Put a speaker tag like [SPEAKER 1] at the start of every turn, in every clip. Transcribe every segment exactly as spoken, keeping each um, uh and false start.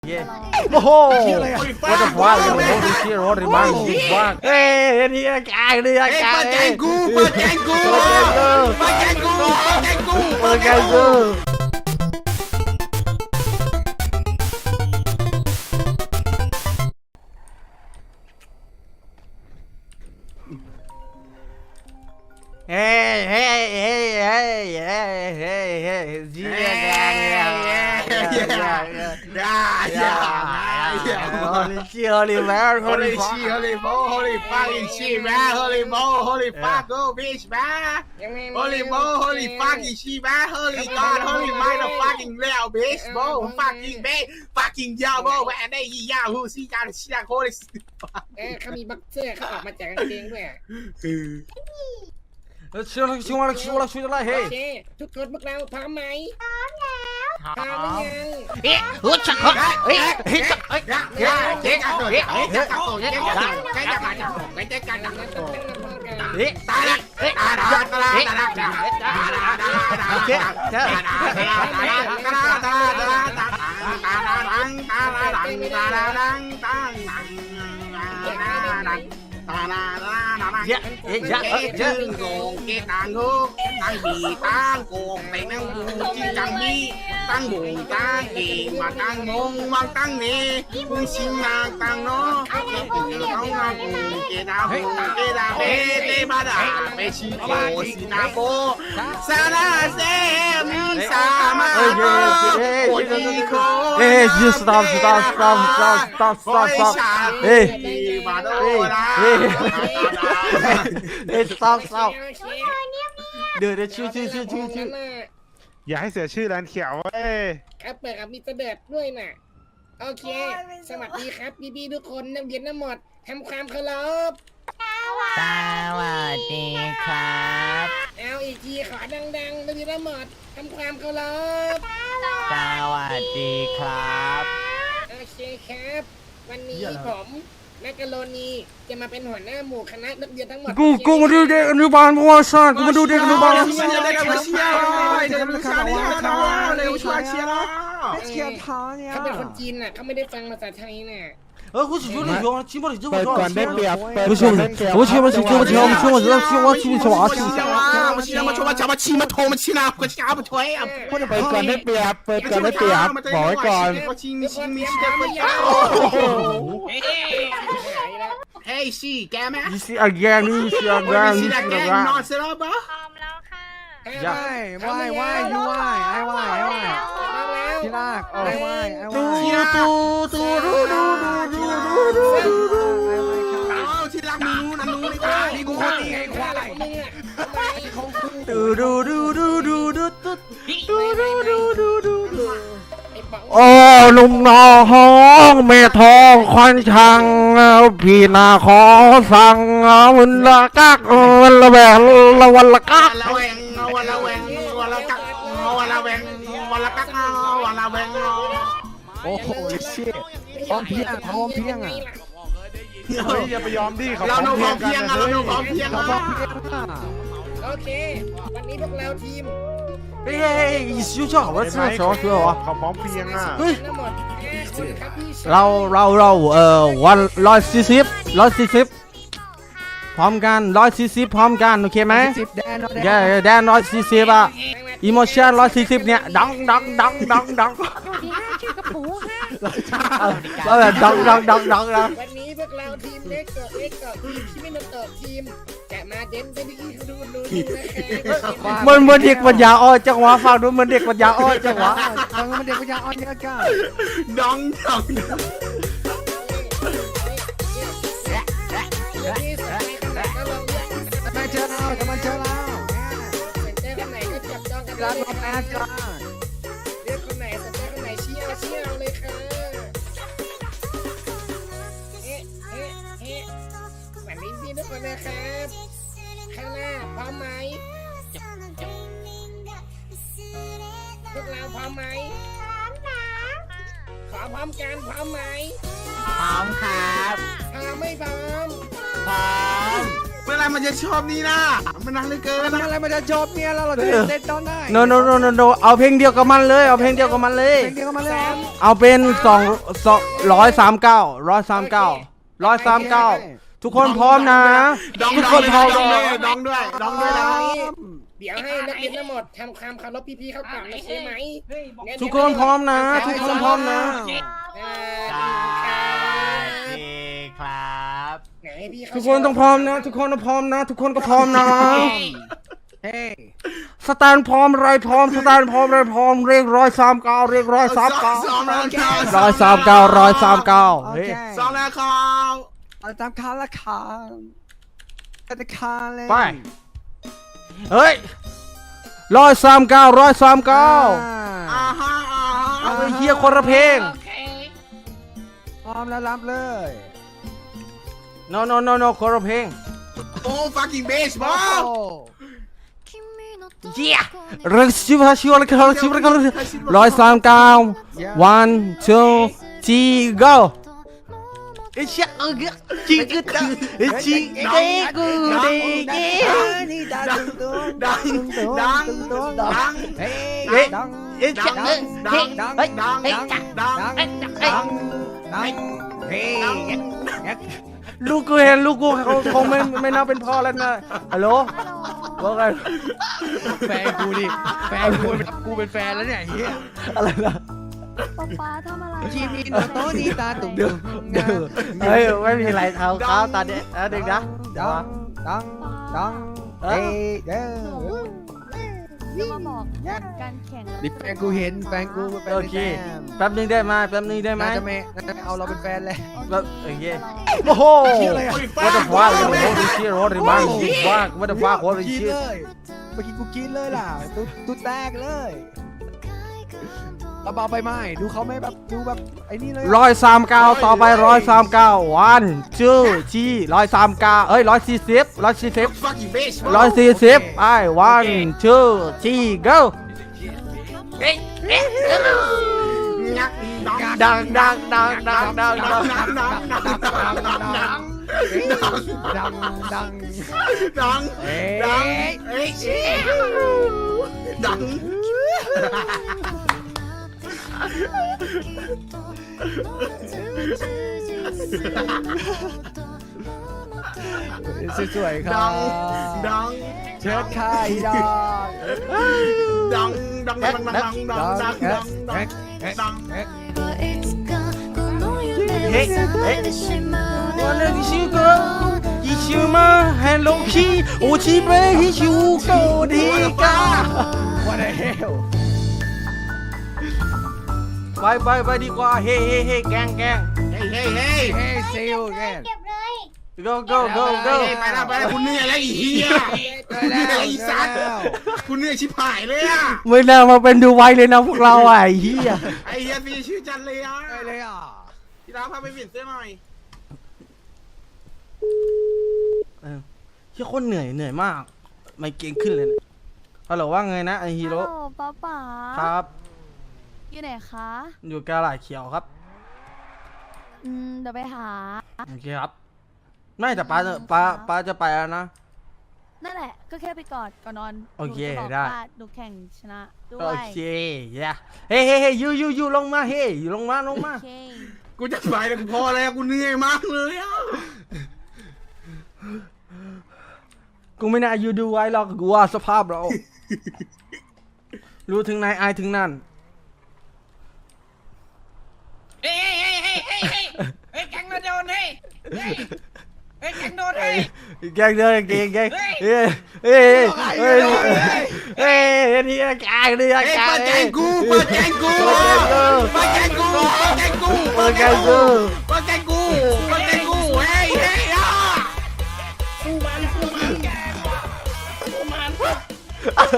[SPEAKER 1] Yeah. Oh, what the fuck? Holy shit, holy man, fuck. Hey, ini kang, ini kang.
[SPEAKER 2] Pada ganggu, pada ganggu, pada ganggu, pada ganggu,
[SPEAKER 1] pada ganggu. Hey, hey, hey, hey, hey, hey, hey, G gang,
[SPEAKER 2] yeah, yeah, yeah.
[SPEAKER 1] Holy shit, holy man,
[SPEAKER 2] Holy
[SPEAKER 1] holy fuck.
[SPEAKER 2] shit, holy mo, holy fucking shit, man. Holy mo, holy fuck, go bitch, man. Holy mo, holy fucking shit, man. Holy god, holy motherfucking hell, bitch, bro. Fucking man, fucking yo, bro. Man, they yahoo, see, got a shit, holy.
[SPEAKER 3] เออเขามีบ็อกเซอร์เขาออกมาจากกางเกงด้วย
[SPEAKER 1] ชิวละชิวละชิวละชิวละเฮ้
[SPEAKER 3] โอเคทุกคนพวกเราพร้อมไหมพร้อมแล้วพร้อมหรือยัง
[SPEAKER 1] เอ๊ะฮึดชักฮึดเอ๊ะเฮ้ยเฮ้ย
[SPEAKER 2] เจ๊เจ๊กันตัวเจ๊เจ๊กันตัวเจ๊กันตัวเจ๊กันตัวเจ๊กันตัวเจ๊กันตัว
[SPEAKER 1] เอ๊ะ
[SPEAKER 2] ตาละเอ๊ะตาละตาละตาละตาละตาละ
[SPEAKER 1] โอเคเจ้า dạ dạ dạ
[SPEAKER 2] gồm cái tàng hô tàng bì tàng gồm tay năng buồn chi tàng bi tàng buồn tàng kỳ mà tàng mông mang tàng nè buông xin nàng tàng nó cái tình không mang buồn cái đau buồn cái đau bê bê ba đà bê chi cổ xin na cô sa na se mi sa ma cô đi cô
[SPEAKER 1] ê stop stop stop stop stop stop stop ê
[SPEAKER 2] mà đâu là
[SPEAKER 1] เอ้ย stop stop เดี๋ยวเดี๋ยวชื่อชื่อชื่อชื่อชื่อ
[SPEAKER 4] อย่าให้เสียชื่อร้านเขียวเว้ย
[SPEAKER 3] ครับเปิดกับมีเสด็จด้วยน่ะโอเคสวัสดีครับพี่พี่ทุกคนนักเรียนทั้งหมดทำความเคารพ
[SPEAKER 5] สวัสดีครับ
[SPEAKER 3] เอาอีกทีขอดังๆนักเรียนทั้งหมดทำความเคารพ
[SPEAKER 5] สวัสดีครับ
[SPEAKER 3] โอเคครับวันนี้ผมแมกกะโรนีจะมาเป็นหัวหน้าหมู่คณะนักเรียนทั้งหมด
[SPEAKER 1] กูกูมาดูเด็กอนุบาลประวัติศาสตร์กูมาดูเด็กอนุบาล
[SPEAKER 2] เชียร์ได้กับเชียร์เลยเดี๋ยวมันชาดีกันนะเร็วช่วยเชียร์แล้ว
[SPEAKER 3] เชียร์ท้อเนี่ยเขาเป็นคนจีนน่ะเขาไม่ได้ฟังภาษาไทยน่ะ
[SPEAKER 1] เออกูสิช่วยช่วย起码你这么
[SPEAKER 4] เปิด
[SPEAKER 1] 多
[SPEAKER 4] ก่อนได้เปรียบเปิด
[SPEAKER 1] 不是
[SPEAKER 4] ก่อน
[SPEAKER 1] 不
[SPEAKER 4] ได้
[SPEAKER 1] 是
[SPEAKER 4] เปรียบ
[SPEAKER 1] 我去我去我去我去我去我去我去我去我去
[SPEAKER 2] มาเชียร์มาชมมาชมมาชีมาโทรมาชีนาก็ช้ามาถอยอ่ะ
[SPEAKER 4] เปิดก่อนได้เปรียบเปิดก่อนได้เปรียบบอกไว้ก่อน
[SPEAKER 2] ก็ชิงมีชิงมีชิงเด็กก็ยาวเฮ้ยชีแกไหม
[SPEAKER 1] 你是阿干你是阿干你
[SPEAKER 2] ชี
[SPEAKER 1] 是
[SPEAKER 2] แก
[SPEAKER 1] 阿
[SPEAKER 2] นอน
[SPEAKER 1] 干
[SPEAKER 2] เสร็จแล้วปะ
[SPEAKER 6] พร้อมแล้วค่ะ
[SPEAKER 1] อย่า
[SPEAKER 3] ว่ายว่ายยูว่ายไอ้ว่ายไอ้ว่ายที่ลากไอ้ว่ายไอ้ว่าย
[SPEAKER 1] ตูตูตูดูดูดูดูดูดู
[SPEAKER 2] เอาที่รักมีนู้นนู้นดีกว่านี่กูคนนี้ไอ้ควาย
[SPEAKER 1] ดูดูดูดูดูดูดูดูดูดูดูดูดูโอ้ลุงน้องแม่ทองควันช่างพี่นาขอสั่งมันละกักมันละแบกละวันละกัก
[SPEAKER 2] วันละแวงวันละแวงวันละกักวันละแวงวันละกักวันละแวง
[SPEAKER 4] โอ้โหเชี่ยพร้อมเพียงพร้อมเพียงอ่ะเฮ้ยอย่าไปยอมดิเขา
[SPEAKER 2] เรา
[SPEAKER 4] พร้อม
[SPEAKER 2] โน้ม
[SPEAKER 4] เพียง
[SPEAKER 2] เพี
[SPEAKER 4] กั
[SPEAKER 2] ย
[SPEAKER 4] น
[SPEAKER 2] ง
[SPEAKER 4] นะ
[SPEAKER 2] เรา
[SPEAKER 4] เฮ้ย
[SPEAKER 2] โน้มเพียง
[SPEAKER 4] เขาพร้อมเพียงอ่ะ
[SPEAKER 3] โอเควันนี้พวกเราทีม
[SPEAKER 1] เฮ้ยอีสิวจ้า我吃什么水果
[SPEAKER 4] เขาพร้อมเพียงอ่ะ
[SPEAKER 1] เฮ้ย
[SPEAKER 3] ทั้งหมดห้าคนครับพี่
[SPEAKER 1] เราเราเราเอ่อวันร้อยสี่สิบร้อยสี่สิบพร้อมกันร้อยสี่สิบพร้อมกันโอเคไหมแย่แดนร้อยสี่สิบอะอีโมชั่นร้อยสี่สิบเนี่ยดังดังดังดังดังเออดังดังดังดังดัง
[SPEAKER 3] วันนี้พวกเราทีมเล็กกับเล็กกับทีมที่ไม่นำตกทีมจะมาเด่นเป็นที่ดูดูนี่นะครับ
[SPEAKER 1] มันเหมือนเด็กปัญญาอ่อนจังหวะฟังดูเหมือนเด็กปัญญาอ่อนจังหวะ
[SPEAKER 4] ฟังมันเด็กปัญญาอ่อนเยอะกัน
[SPEAKER 2] ดองดอง
[SPEAKER 3] นี่สายขนาดก็ลองเลือก
[SPEAKER 4] มาเจอเราจะมาเจอเรา
[SPEAKER 3] สนใจคนไหนก็จับจองกัน
[SPEAKER 4] ร้าน
[SPEAKER 3] เลย
[SPEAKER 4] มาแอดกัน
[SPEAKER 3] เลือกคนไหนสนใจคนไหนเชียร์เชียร์เลยค่ะเอ๊ะเอ๊ะเอ๊ะวันนี้พี่ทุกคนนะครับข้างหน้าพร้อมไหมพวกเราพร้อมไหมพร้อมนะขอพร้อมกันพร้อมไหม
[SPEAKER 5] พร้อมครับ
[SPEAKER 3] พร้อมไม่พร้อม
[SPEAKER 5] พร้อม
[SPEAKER 3] โ
[SPEAKER 2] เมื่อไรมันจะชอบนี่นะมันนานเหลือเกิน
[SPEAKER 4] มัน
[SPEAKER 2] นะ
[SPEAKER 4] อะไรมันจะจบเนี่ยแล้วเราจะเล่นตอนไหน
[SPEAKER 1] โนโนโนโนโนเอาเพลงเดียวกับมันเลยเอาเพลงเดียวกับมันเลย
[SPEAKER 4] เพลงเดียวกันมาเลย
[SPEAKER 1] เอาเป็นสองสองร้อยสามเก้าร้อยสามเก้าร้อยสามเก้าทุกคนพร้อมนะ
[SPEAKER 2] ดอง
[SPEAKER 1] ทุก
[SPEAKER 2] ด
[SPEAKER 1] ค
[SPEAKER 2] อง
[SPEAKER 1] นพร้อม
[SPEAKER 2] ดองด้วยดองด้วยดองด้วยนะ
[SPEAKER 3] เดี๋ยวให้นักเรียนทั้งหมดทำความเคารพพี่ๆเขาก่อนนะใช่ไหม
[SPEAKER 1] ทุกคนพร้อมนะ ทุกคนพร้อมนะ
[SPEAKER 3] อ่า
[SPEAKER 5] ดีครับ
[SPEAKER 3] ไหนพี่เขา
[SPEAKER 1] ทุกคนต้องพร้อมนะ ทุกคนต้องพร้อมนะ ทุกคนก็พร้อมนะ
[SPEAKER 4] เฮ้ย
[SPEAKER 1] สแตนพร้อมไรพร้อมสแตนพร้อมไรพร้อมเรียกร้อยสามเก้าเรียกร้อยสามเก้า
[SPEAKER 2] ซ้อมแล้วครับ
[SPEAKER 1] ร้อยสามเก้าร้อยสามเก้า
[SPEAKER 4] โอ
[SPEAKER 1] เฮ้ย
[SPEAKER 4] เค
[SPEAKER 2] ซ้อมแล้วครับ
[SPEAKER 4] เอาตามคาละคาตะคาเลย
[SPEAKER 1] ไปเฮ้ยร้อยสามเก้าร้อยสามเก้า
[SPEAKER 2] อ่าฮะอ่าฮะ
[SPEAKER 1] เอาไปเฮียคนละเพลง
[SPEAKER 3] โอเค
[SPEAKER 4] พร้อมแล้วรับเลย
[SPEAKER 1] no no no no คนละเพลง
[SPEAKER 2] โอ้ fucking bass บอ
[SPEAKER 4] โอ้
[SPEAKER 1] เยี่ยเรื่องชิวฮาชิวอะไรกันชิวอะไรกันร้อยสามเก้า one two three go ไอ้เชี่ยเออจิกกะไอ้จิกเด็กกูเด็กเก๋
[SPEAKER 4] นี่ดังตุ้ง
[SPEAKER 2] ดังดังดัง
[SPEAKER 4] เฮ้ย
[SPEAKER 1] เฮ้ย
[SPEAKER 4] ดัง
[SPEAKER 1] ไอ้เชี่ยเออ
[SPEAKER 2] ดัง
[SPEAKER 4] ดัง
[SPEAKER 2] ดังดัง
[SPEAKER 1] เฮ้ย
[SPEAKER 2] ดังดัง
[SPEAKER 4] ดังดังดังเฮ้ย
[SPEAKER 1] ลูกกูเห็นลูกกูเขาคงไม่ไม่น่าเป็นพ่อแล้วนะฮัลโหลว่าไง
[SPEAKER 4] แฟนกูดิแฟนกูเป็นกูเป็นแฟนแล้วเนี่ยไอ้เฮีย
[SPEAKER 1] อะไรนะ
[SPEAKER 6] ป๊าป๊าทำอะไร
[SPEAKER 4] ชีมีโนโตดีตาตุ่ม
[SPEAKER 1] เดี๋ยวเดี๋ยวเฮ้ยไม่มีอะไรเท้าเขาตาเด็กเด็กนะ
[SPEAKER 4] ดังดังดังเฮ้ยเด้อ
[SPEAKER 6] จะมาบอกการแข่ง
[SPEAKER 4] ดิแฟนกูเห็นแฟนกูเป็น
[SPEAKER 1] โอเคแป๊บนึงได้ไหมแป๊บนึงได้ไหม
[SPEAKER 4] น่าจะไม่น่าจะไม่เอาเราเป็นแฟนเลย
[SPEAKER 1] แบบโอเคโอ้โห what the fuck what the shit what the fuck fuck what the fuck what the
[SPEAKER 4] กิน
[SPEAKER 1] shit
[SPEAKER 4] เลยเมื่อกี้กูกินเลยล่ะตุ๊ตุ๊แตกเลยเราเบาไปไหมดูเขาไม่แบบดูแบบไอ้นี่เลย
[SPEAKER 1] ร้อยสามเก้าต่อไปร้อยสามเก้า one two three ร้อยสามเก้าเอ้ยร้อยสี่สิบร้อยสี่สิบ
[SPEAKER 2] fucking bass
[SPEAKER 1] ร้อยสี่สิบไอ้ one two three go
[SPEAKER 2] ดัง
[SPEAKER 1] ดังดังดังดังดังดัง
[SPEAKER 2] ดังดังดังดังดังดัง
[SPEAKER 4] ดังดัง
[SPEAKER 2] ดัง
[SPEAKER 4] เอ้
[SPEAKER 2] ดัง
[SPEAKER 4] ย
[SPEAKER 2] เอ้ยดัง
[SPEAKER 4] สวยๆครั
[SPEAKER 2] ดั
[SPEAKER 4] บ
[SPEAKER 2] งดัง
[SPEAKER 4] เชิดค่ายดอก
[SPEAKER 2] ดังดังดังดังดังดังดังดังดังดัง
[SPEAKER 1] เฮ้ยเฮ้ยวันนี้ชิวก็ยิ่งชิวมาแฮนด์ลงขี้โอชิเบะฮิชิวก็ดีกา
[SPEAKER 4] What the hell
[SPEAKER 1] ไปไปไปดีกว่าเฮ้เฮ้เฮ้แกงแกง
[SPEAKER 2] เฮ้ยเฮ้ยเฮ้ย
[SPEAKER 4] Hey see you again
[SPEAKER 1] go go go go
[SPEAKER 2] ไปแล้วไปแล้วคุณเหนื่อยแล้วอีเหี้ยคุณเหนื่อยอีสัตว์คุณเหนื่อยชิบหายเลยอ่ะ
[SPEAKER 1] ไม่น่ามาเป็นดูไว้เลยนะพวกเราอ่ะไอ้เหี้ย
[SPEAKER 2] ไอ้เหี้ยพี่ชื่อจันเลยอ่ะ
[SPEAKER 4] ไปเลยอ่ะ
[SPEAKER 2] พี่ดาวพาไปเปลี่ยนเสื้อหน่อย
[SPEAKER 1] เออเหี้ยคนเหนื่อยเหนื่อยมาก ไม่เก่งขึ้นเลยนะฮัลโหลว่าไงนะไอฮีโร่
[SPEAKER 6] ฮัลโหลป๊าป๊า
[SPEAKER 1] ครับ
[SPEAKER 6] อยู่ไหนคะ
[SPEAKER 1] อยู่กาลาดเขียวครับ
[SPEAKER 6] อืมเดี๋ยวไปหา
[SPEAKER 1] โอเคครับ ไม่แต่ป้าจะป้าป้าจะไปแล้วนะ
[SPEAKER 6] นั่นแหละ ก็แค่ไปกอดก่อนนอน
[SPEAKER 1] โอเค
[SPEAKER 6] หนูจะบอก
[SPEAKER 1] ได้
[SPEAKER 6] ว่าหนูแข่งชนะด้ว
[SPEAKER 1] โอย เคย่าเฮ้เฮ้เฮ้ยูยูยูลงมาเฮ้ยูลงมาลงมา
[SPEAKER 6] โอเค
[SPEAKER 2] กูจะไปแล้วกูพอแล้วกูเหนื่อยมากเลยอ่ะ
[SPEAKER 1] กูไม่น่าอยู่ดูไว้หรอกกูว่าสภาพเรา รู้ถึงไหนอายถึงนั่น
[SPEAKER 3] เฮ้ยเฮ้ยเฮ้ยเฮ้ยเฮ้ยเฮ้ยแข่งมาโดนเฮ้ยเฮ้ยเฮ้ยแข่งโดนเฮ้ย
[SPEAKER 1] แกงเด้อแกงแกงเฮ้ยเฮ้ยเฮ้ยเฮ้ยนี่แกงนี่แก
[SPEAKER 2] เฮ้ย
[SPEAKER 1] ง
[SPEAKER 2] เปิดแกงกูเปิดแกงกูเปิดแกงกูเปิดแกงกู
[SPEAKER 1] เปิดแกงกู
[SPEAKER 2] เปิดแกงกูเปิดแกงกูเฮ้ยเฮ้ยอ่ะ
[SPEAKER 3] สู้มันสู้มันสู้มัน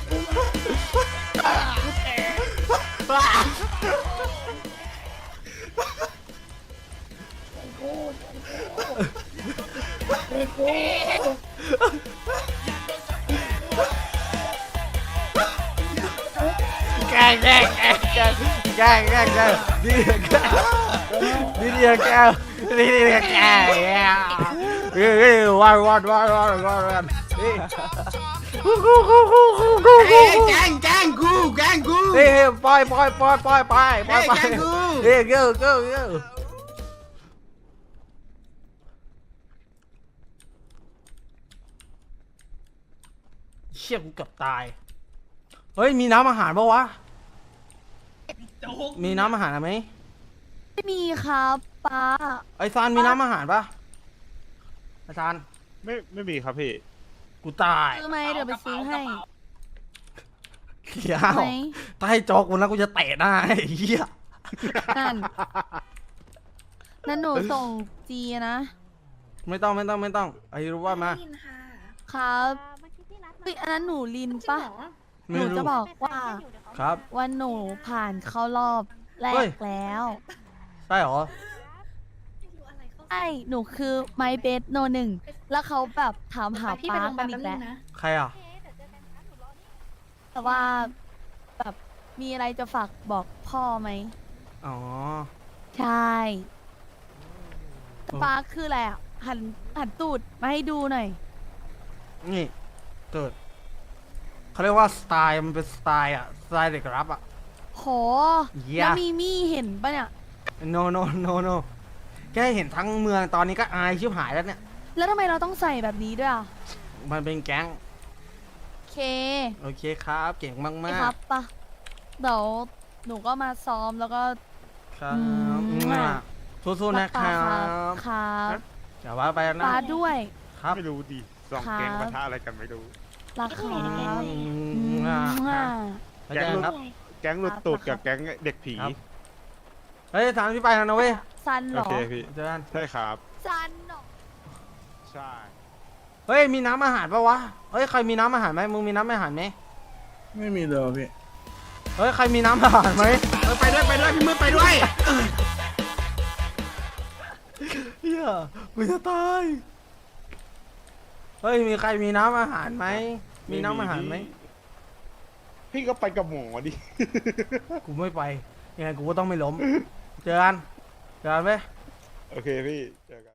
[SPEAKER 1] แกงแกงแกงแกงแกงแกงแกงนี่แกงนี่แกงนี่แกงนี่แกงเฮ้ยเฮ้ยวันวันวันวันวันวันเฮ้ยกูกูกูกูกูกู
[SPEAKER 2] เฮ้ยแกงแกงกูแกงกู
[SPEAKER 1] เฮ้ยปล่อยปล่อยปล่อยปล่อยไปปล่อยไป
[SPEAKER 2] เฮ้ยแกงกู
[SPEAKER 1] เฮ้ยเก้าเก้าเก้าเชี่ยกูเกือบตายเฮ้ยมีน้ำอาหารปะวะมีน้ำอาหารไหม
[SPEAKER 6] ไม่มีครับป้า
[SPEAKER 1] ไอซานมีน้ำอาหารปะไอซาน
[SPEAKER 7] ไม่ไม่มีครับพี่
[SPEAKER 1] กูตาย
[SPEAKER 6] ซื้อไหมเดี๋ยวไปซื้อให้
[SPEAKER 1] เหี้ย
[SPEAKER 6] ไหม
[SPEAKER 1] ถ้าให้จอกกูนะกูจะเตะหน้าไอ้เหี้ย
[SPEAKER 6] นั่นนั่นหนูส่งจีนะ
[SPEAKER 1] ไม่ต้องไม่ต้องไม่ต้องไอ้รู้ว่ามา
[SPEAKER 6] ครับเฮ้ยอันนั้นหนูลินปะห
[SPEAKER 1] ไม่
[SPEAKER 6] นู
[SPEAKER 1] รู้
[SPEAKER 6] จะบอกว่า
[SPEAKER 1] ครับ
[SPEAKER 6] วันหนูผ่านเข้ารอบแร
[SPEAKER 1] เฮ้
[SPEAKER 6] ก
[SPEAKER 1] ย
[SPEAKER 6] แล้ว
[SPEAKER 1] ใช่เหรอ
[SPEAKER 6] ใช่หนูคือไมเบสโนหนึ่งแล้วเขาแบบถามหาป้ากันอีกแล้ว
[SPEAKER 1] ใครอ่ะ
[SPEAKER 6] แต่ว่าแบบมีอะไรจะฝากบอกพ่อไหม
[SPEAKER 1] อ๋อ
[SPEAKER 6] ใช่ป้าคืออะไรอ่ะหันหันตูดมาให้ดูหน่อย
[SPEAKER 1] นี่เกิดเขาเรียกว่าสไตล์มันเป็นสไตล์อ่ะสไตล์เด็กรับอ่ะ
[SPEAKER 6] โห
[SPEAKER 1] เหี้ย
[SPEAKER 6] แล้วมีมี่เห็นปะเนี่ย
[SPEAKER 1] no no no no แค่เห็นทั้งเมืองตอนนี้ก็อายชิบหายแล้วเนี่ย
[SPEAKER 6] แล้วทำไมเราต้องใส่แบบนี้ด้วยอ่ะ
[SPEAKER 1] มันเป็นแก๊ง
[SPEAKER 6] โอเค
[SPEAKER 1] โอเคครับ เก่งมาก
[SPEAKER 6] ไม่
[SPEAKER 1] มาก
[SPEAKER 6] ครับปะเดี๋ยวหนูก็มาซ้อมแล้วก็
[SPEAKER 1] ครับ
[SPEAKER 6] อืม
[SPEAKER 1] อ่ะสู้ๆนะค
[SPEAKER 6] ป้า
[SPEAKER 1] รับ
[SPEAKER 6] ครับ
[SPEAKER 1] อย่าว่าไปนะ
[SPEAKER 6] ป้าด้วย
[SPEAKER 1] ครับ
[SPEAKER 7] ไม่รู้ดิสอง
[SPEAKER 6] ครับ
[SPEAKER 7] แกงปะทะอะไรกันไม่รู้
[SPEAKER 6] รักครับ
[SPEAKER 1] อื
[SPEAKER 6] อื
[SPEAKER 1] มอ่ะ
[SPEAKER 6] มอ่ะ
[SPEAKER 1] ไปเจอกันครับ
[SPEAKER 7] แก๊งหลุดตูดกับแก๊งเด็กผี
[SPEAKER 1] ครับ เฮ้ยถามพี่ไปแล้วนะเว้ย
[SPEAKER 6] ซันเหร
[SPEAKER 7] โอ
[SPEAKER 6] อ
[SPEAKER 7] เคพี่
[SPEAKER 1] เจอกัน
[SPEAKER 7] ใช่ครับ
[SPEAKER 6] ซันเหรอ
[SPEAKER 7] ใช่
[SPEAKER 1] เฮ้ยมีน้ำอาหารปะวะเฮ้ยใครมีน้ำอาหารไหมมึงมีน้ำอาหารไหม
[SPEAKER 2] ไม่มีเลยพี่
[SPEAKER 1] เฮ้ยใครมีน้ำอาหารไหม
[SPEAKER 2] เออไปด้วยไปด้วยพี่มืดไปด้วย
[SPEAKER 1] เฮียกูจะตายเฮ้ยมีใครมีน้ำอาหารไหมมีน้ำอาหารไหม
[SPEAKER 7] พี่ก็ไปกับหมอดิ
[SPEAKER 1] กูไม่ไปยังไงกูก็ต้องไม่ล้มเจอกันเจอกันไหม
[SPEAKER 7] โอเคพี่เจอกัน